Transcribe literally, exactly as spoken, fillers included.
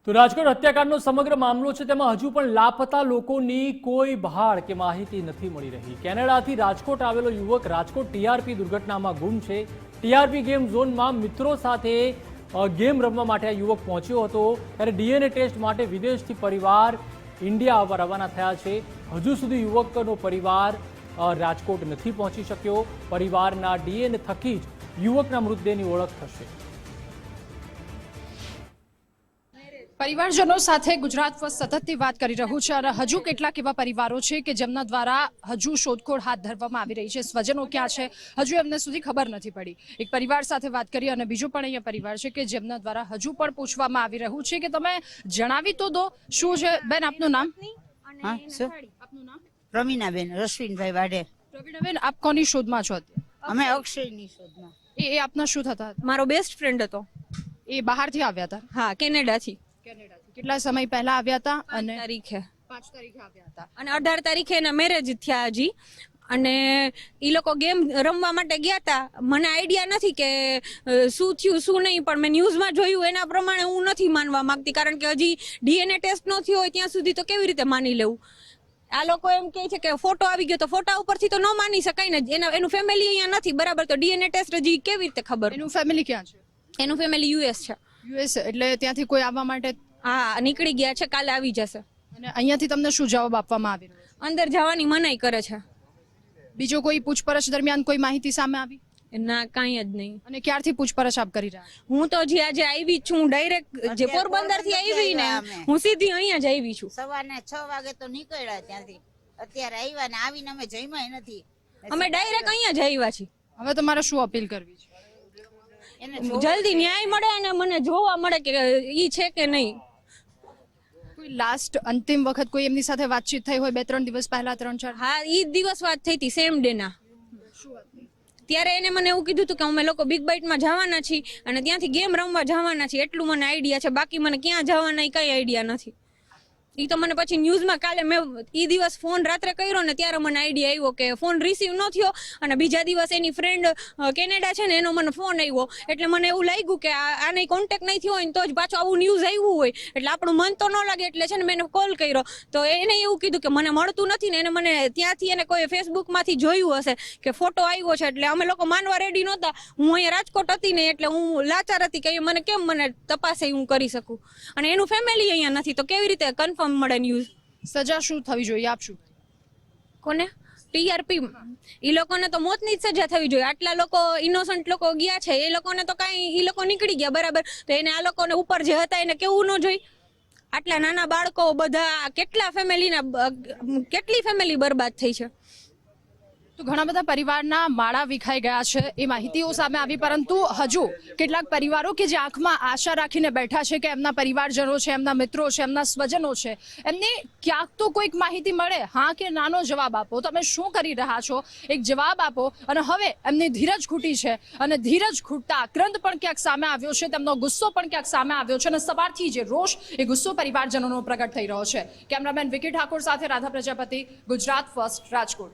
તો રાજકોટ હત્યાકાંડનો સમગ્ર મામલો છે તેમાં હજુ પણ લાપતા લોકોની કોઈ બહાર કે માહિતી નથી મળી રહી। કેનેડાથી રાજકોટ આવેલો યુવક રાજકોટ ટીઆરપી દુર્ઘટનામાં ગુમ છે। ટીઆરપી ગેમ ઝોનમાં મિત્રો સાથે ગેમ રમવા માટે આ યુવક પહોંચ્યો હતો ત્યારે ડીએનએ ટેસ્ટ માટે વિદેશથી પરિવાર ઇન્ડિયા આવવા રવાના થયા છે। હજુ સુધી યુવકનો પરિવાર રાજકોટ નથી પહોંચી શક્યો। પરિવારના ડીએનએ થકી જ યુવકના મૃતદેહની ઓળખ થશે। परिवारजनों साथे गुजरात फर्स्ट सततથી વાત કરી રહ્યું છે અને હજુ કેટલાક એવા પરિવારો છે કે જેમના દ્વારા હજુ શોધખોળ હાથ ધરવામાં આવી રહી છે। સ્વજનો ક્યાં છે હજુ એમને સુધી ખબર નથી પડી। એક પરિવાર સાથે વાત કરી અને બીજો પણ અહીંયા પરિવાર છે કે જેમના દ્વારા હજુ પણ પૂછવામાં આવી રહ્યું છે કે તમે જણાવી તો દો શું છે। બેન આપનું નામ? હા સર, આપનું નામ? પ્રવીણાબેન રશ્વિનભાઈ વાડે। પ્રવીણાબેન આપ કોની શોધમાં છો? અમે અક્ષયની શોધમાં। એ એ આપના શું થતા હતા? મારો બેસ્ટ ફ્રેન્ડ હતો। એ બહારથી આવ્યા હતા? હા, કેનેડાથી। કેનેડાથી કેટલા સમય પહેલા આવ્યા હતા? અને તારીખે પાંચ તારીખે આવ્યા હતા અને અઢાર તારીખે એના મેરેજ થયા હજી। અને એ લોકો ગેમ રમવા માટે ગયા હતા। મને આઈડિયા નથી કે શું થયું શું નહીં, પણ મેં ન્યૂઝમાં જોયું એના પ્રમાણે હું નથી માનવા માંગતી, કારણ કે હજી ડીએનએ ટેસ્ટ ન થયો હોય ત્યાં સુધી તો કેવી રીતે માની લેવું। આ લોકો એમ કહે છે કે ફોટો આવી ગયો તો ફોટા ઉપરથી તો ન માની શકાય ને। એના એનું ફેમિલી અહીંયા નથી બરાબર, તો ડીએનએ ટેસ્ટ હજી કેવી રીતે ખબર? એનું ફેમિલી ક્યાં છે? એનું ફેમિલી યુએસ છે। યુએસ એટલે ત્યાંથી કોઈ આવવા માટે? હા, નીકળી ગયા છે, કાલે આવી જશે। અને અહીંયાથી તમને શું જવાબ આપવામાં આવી રહ્યો છે? અંદર જવાની મનાઈ કરે છે। બીજો કોઈ પૂછપરછ દરમિયાન કોઈ માહિતી સામે આવી? ના, કાંઈ જ નહીં। અને ક્યારથી પૂછપરછ આપ કરી રહ્યા? હું તો જે આજે આવી છું ડાયરેક્ટ જે પોરબંદર થી આવી ને હું સીધી અહીંયા જ આવી છું। સવારના છ વાગે તો નીકળ્યા ત્યાંથી, અત્યારે આવ્યા ને આવીને અમે જમ્યા નથી। અમે ડાયરેક્ટ અહીંયા જ આવ્યા છીએ। હવે તમારે શું અપીલ કરવી છે? એને જલ્દી ન્યાય મળે અને મને જોવા મળે કે ઈ છે કે નહીં। કોઈ લાસ્ટ અંતિમ વખત કોઈ એમની સાથે વાતચીત થઈ હોય બે ત્રણ દિવસ પહેલા, ત્રણ ચાર? હા, ઈ જ દિવસ વાત થઈ હતી સેમ ડે ના। ત્યારે એને મને એવું કીધું હતું કે અમે લોકો બિગ બાઇટમાં જવાના છીએ અને ત્યાંથી ગેમ રમવા જવાના છીએ, એટલું મને આઈડિયા છે। બાકી મને ક્યાં જવાના કઈ આઈડિયા નથી। એ તો મને પછી ન્યૂઝમાં કાલે મેં એ દિવસ ફોન રાત્રે કર્યો ને ત્યારે મને આઈડિયા આવ્યો કે ફોન રિસીવ ન થયો, અને બીજા દિવસ એની ફ્રેન્ડ કેનેડા છે ને એનો મને ફોન આવ્યો, એટલે મને એવું લાગ્યું કે આને કોન્ટેક્ટ નહીં થયો હોય તો જ પાછું આવું ન્યૂઝ આવ્યું હોય એટલે આપણું મન તો ન લાગે, એટલે છે ને મેં એને કોલ કર્યો તો એને એવું કીધું કે મને મળતું નથી ને એને મને ત્યાંથી એને કોઈ ફેસબુકમાંથી જોયું હશે કે ફોટો આવ્યો છે, એટલે અમે લોકો માનવા રેડી નહોતા। હું અહીંયા રાજકોટ હતી ને એટલે હું લાચાર હતી કે મને કેમ મને તપાસે હું કરી શકું, અને એનું ફેમિલી અહીંયા નથી તો કેવી રીતે કન્ફર્મ મળે ન્યૂઝ? સજા શું થવી જોઈએ આપશું? કોને? ટીઆરપી ઈ લોકોને તો મોતની જ સજા થવી જોઈએ। આટલા લોકો ઇનોસન્ટ લોકો ગયા છે, એ લોકોને તો કાંઈ ઈ લોકો નીકળી ગયા બરાબર, તો એને આ લોકોને ઉપર જે હતા એને કેવું ન જોઈ? આટલા નાના બાળકો બધા કેટલા ફેમિલીના કેટલી ફેમિલી બરબાદ થઈ છે। તો ઘણા બધા પરિવારના માળા વિખાઈ ગયા છે એ માહિતીઓ સામે આવી, પરંતુ હજુ કેટલાક પરિવારો કે જે આંખમાં આશા રાખીને બેઠા છે કે એમના પરિવારજનો છે, એમના મિત્રો છે, એમના સ્વજનો છે, એમને ક્યાંક તો કોઈક માહિતી મળે। હા કે નાનો જવાબ આપો, તમે શું કરી રહ્યા છો એક જવાબ આપો। અને હવે એમની ધીરજ ખૂટી છે અને ધીરજ ખૂટતા આક્રંદ પણ ક્યાંક સામે આવ્યો છે, તેમનો ગુસ્સો પણ ક્યાંક સામે આવ્યો છે અને સવારથી જે રોષ એ ગુસ્સો પરિવારજનોનો પ્રગટ થઈ રહ્યો છે। કેમેરામેન વિકી ઠાકોર સાથે રાધા પ્રજાપતિ, ગુજરાત ફર્સ્ટ, રાજકોટ।